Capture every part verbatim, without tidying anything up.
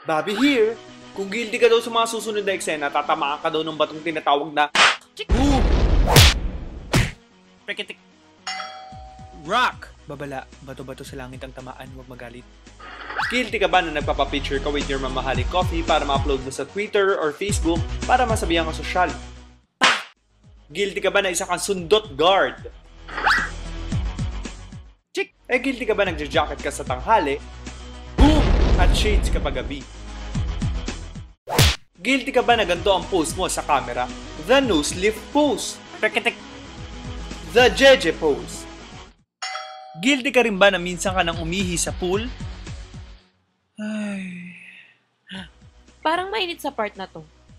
Bobby here. Kung guilty ka daw sa mga susunod na eksena, tatamaan ka daw ng batong tinatawag na Boom! Pekitik. Rock! Babala, bato-bato sa langit ang tamaan, huwag magalit. Guilty ka ba na nagpapapicture ka with your mamahaling coffee para ma-upload mo sa Twitter or Facebook para masabihan ka sosyal? Guilty ka ba na isa kang sundot guard? Chick! Eh, guilty ka ba nagja-jacket ka sa tanghali? Boom! At shades kapag gabi? Guilty ka ba na ganito ang pose mo sa camera? The nose lift pose. Pekitik. The Jeje pose. Guilty ka rin ba na minsan ka nang umihi sa pool? Ay. Parang mainit sa part na to.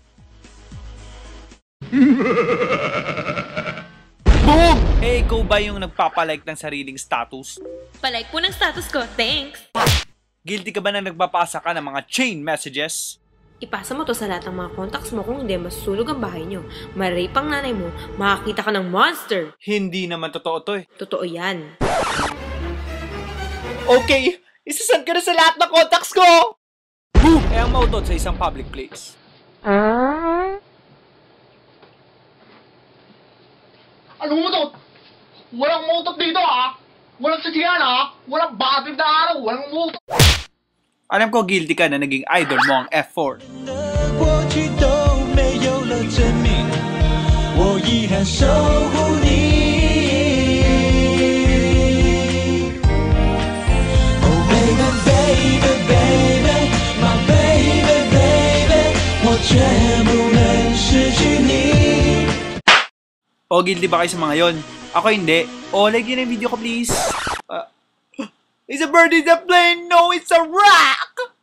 Boom! Eh, ikaw ba yung nagpapalike ng sariling status? Palike po ng status ko, thanks! Guilty ka ba na nagpapasa ka ng mga chain messages? Ipasa mo to sa lahat ng mga contacts mo, kung hindi, masusulog ang bahay nyo. Marape ang nanay mo, makakita ka ng monster. Hindi naman totoo to eh. Totoo yan. Okay, isasend ka na sa lahat ng contacts ko! Boom! Eh, ang mautot sa isang public place. Anong mutot? Walang mutot dito ha! Walang sadyan ha! Walang batid na araw! Walang mutot! Alam ko guilty ka na naging idol mo ang F four. O guilty ba kayo sa mga yon? Ako hindi. O like yun ang video ko please. Uh, It's a bird, it's a plane, no, it's a rock!